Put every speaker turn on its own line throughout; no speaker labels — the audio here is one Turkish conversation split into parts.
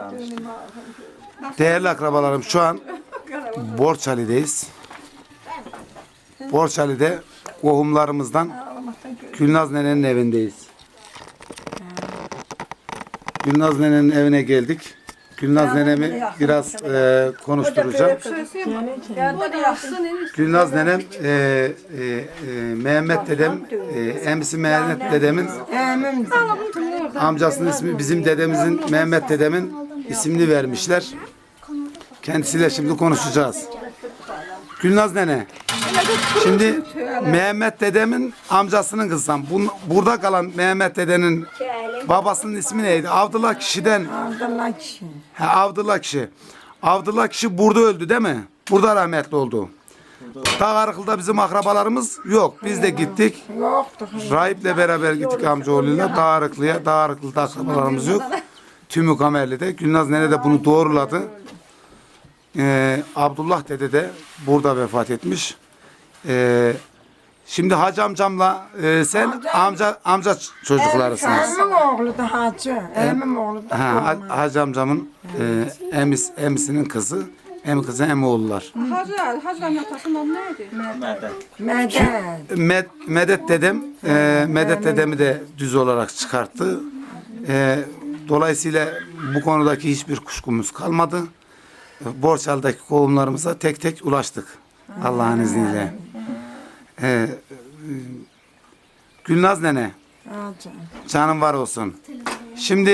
Değerli akrabalarım, şu an Borçali'deyiz. Borçali'de kohumlarımızdan Gülnaz nenenin evindeyiz. Gülnaz nenenin evine geldik. Gülnaz nenemi biraz konuşturacağım. Gülnaz nenem Mehmet dedem, emsi Mehmet dedemin amcasının ismi, bizim dedemizin Mehmet dedemin ismini vermişler. Kendisiyle şimdi konuşacağız. Gülnaz nene, şimdi Mehmet dedemin amcasının kızsan, burada kalan Mehmet dedenin babasının ismi neydi? Avdullah kişiden.
Avdullah kişi.
Avdullah kişi. Avdullah kişi burada öldü değil mi? Burada rahmetli oldu. Dağarıklı'da bizim akrabalarımız yok. Biz de gittik.
Yoktu.
Rahip'le beraber gittik amcaoğluyla Dağarıklı'ya. Dağarıklı'da akrabalarımız yok. Tümü Kamerli'de. Gülnaz nene de bunu doğruladı. Abdullah dede de burada vefat etmiş. Şimdi Hacı amcamla sen amca çocuklarısınız.
Emmim oğlu da Hacı. Emmim oğlu da.
Hacı amcamın emisinin kızı. Hem kızı hem oğullar.
Hacı'nın atasının adı neydi?
Medet dedem, Medet dedemi de düz olarak çıkarttı. Dolayısıyla bu konudaki hiçbir kuşkumuz kalmadı. Borçalı'daki kovumlarımıza tek tek ulaştık. Allah'ın izniyle. Gülnaz nene, canım var olsun. Şimdi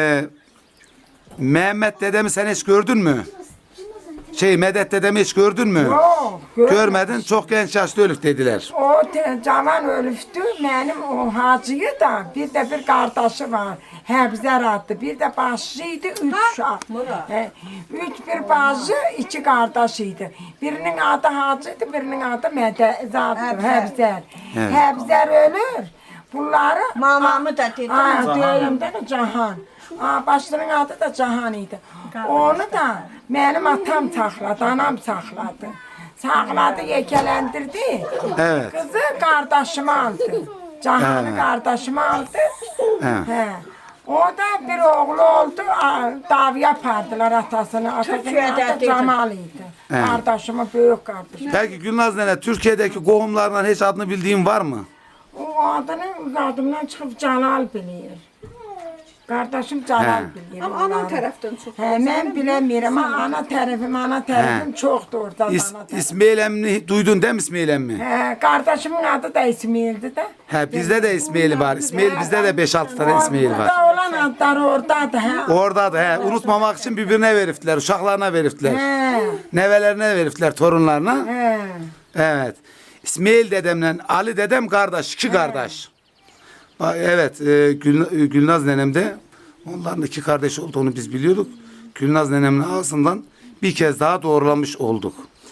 Mehmet dedemi sen hiç gördün mü? Medet dedemi hiç gördün mü?
Yok.
Görmedin. Çok genç yaşta ölük dediler.
O cavan ölüftü. Benim o Hacı'yı da bir de bir kardeşi var. Hebzer adlı. Bir de başlıydı. 3 uşak. 3 bir bacı, 2 kardeşiydi. Birinin adı Hacı'ydı, birinin adı Hebzer. Hebzer ölür. Bunları
Mamamı da dedi.
Döyümde de Cahan. Başlarının adı da Cahan idi. Onu da benim atam sakladı, anam sakladı. Sakladı, yekelendirdi.
Evet.
Kızı kardeşime aldı. Cahan'ı kardeşime aldı. He. O da bir oğlu oldu, davi yapardılar atasını. Atasının adı Cemal'iydi. Kardeşime büyük kardeşim.
Peki Gülnaz nene, Türkiye'deki kohumlardan hiç adını bildiğin var mı?
O adından çıkıp Celal bilir. Kardeşim Celal bilir.
Ama ana taraftan çok.
Ben bilemiyorum ama ana tarafım çoktu orada.
İsmail emmi duydun değil mi İsmail emmi?
Kardeşimin adı da İsmail'di de.
Bizde de İsmail var. İsmail bizde de 5-6 tane İsmail var.
Orada olan adları oradadı.
Orada da unutmamak için birbirine veriftiler, uşaklarına veriftiler. Nevelerine veriftiler, torunlarına. Evet. İsmail dedemle Ali dedem kardeş, 2 kardeş. Evet, Gülnaz nenem de onların 2 kardeş olduğunu biz biliyorduk. Gülnaz nenemin ağzından bir kez daha doğrulamış olduk.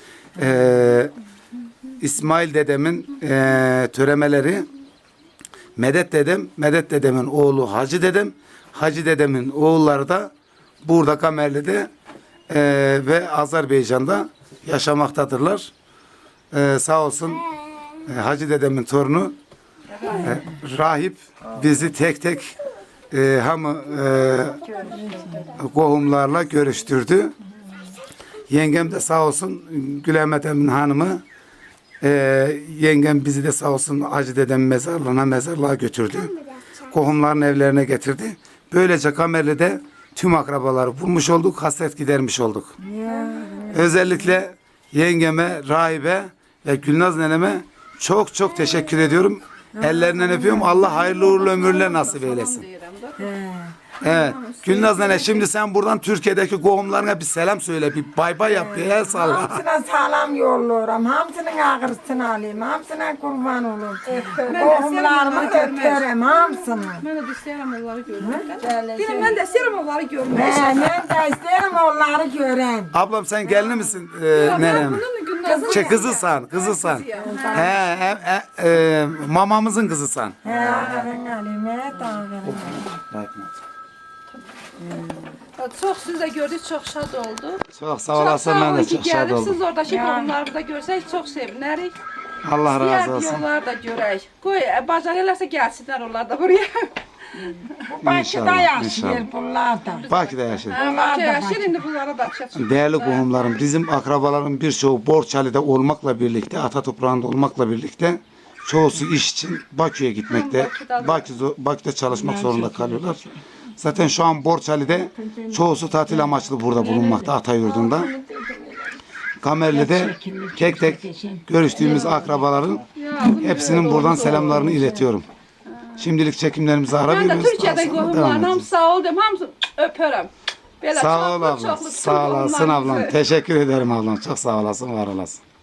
İsmail dedemin töremeleri Medet dedemin oğlu Hacı dedem, Hacı dedemin oğulları da burada Kamerli'de ve Azerbaycan'da yaşamaktadırlar. Sağ olsun Hacı dedemin torunu rahip bizi tek tek kohumlarla görüştürdü. Yengem de sağ olsun Gülemet Emin hanımı yengem bizi de sağ olsun Hacı dedemin mezarlığa götürdü. Kohumların evlerine getirdi. Böylece Kamerli'de tüm akrabaları bulmuş olduk, hasret gidermiş olduk. Özellikle yengeme, rahibe ve Gülnaz neneme çok çok teşekkür ediyorum. Ellerinden öpüyorum. Allah hayırlı uğurlu ömürler nasip eylesin. Evet. Gülnaz nene, şimdi sen buradan Türkiye'deki kohumlarına bir selam söyle. Bir bay bay yap. Bir el salla.
Hamsına selam yolluyorum. Hamsının ağrısını alayım. Hamsına kurban olun. Kohumlarımı öpüyorum. Hamsını.
Ben de isterim onları görmek. Ben de isterim onları görmek.
Ben de isterim onları göreyim.
Ablam sen gelini misin nenem? Kızısan. Mamamızın kızısan.
Çok siz de gördük, çok şad oldu.
Çok sağ olasın, ben de çok şad oldum.
Siz oradaki konuları da görsek çok seviniriz.
Allah razı olsun.
Diğer yollar da görək. Qoy, bacarırlarsa gəlsinlər onlar da buraya.
Bu Bakıda
İnşallah,
yaşıyor
inşallah.
bunlar da.
Bakü'de yaşadık.
Bakı yaşayır, indi bunlara da açacaq.
Değerli qohumlarım, bizim akrabaların birçoğu Borçali'de olmakla birlikte, ata toprağında olmakla birlikte çoğusu iş için Bakü'ye gitmekte, Bakü'de çalışmak zorunda kalıyorlar. Zaten şu an Borçali'de çoğusu tatil amaçlı burada bulunmakta, ata yurdunda. Kamerli'de tek tek görüştüğümüz akrabaların hepsinin buradan selamlarını iletiyorum. Şimdilik çekimlerimizi ara
Mən də
veriyoruz.
Türkiyədə
Daha sonra devam
qohumlarım
edeceğiz.
sağ ol deyim, hamısı öpərəm. Belə
Sağ ol
çoxlu,
ablam.
çoxlu
Sağ olasın
qohumlarımızı.
ablam. Teşekkür ederim ablam. Çok sağ olasın, var olasın.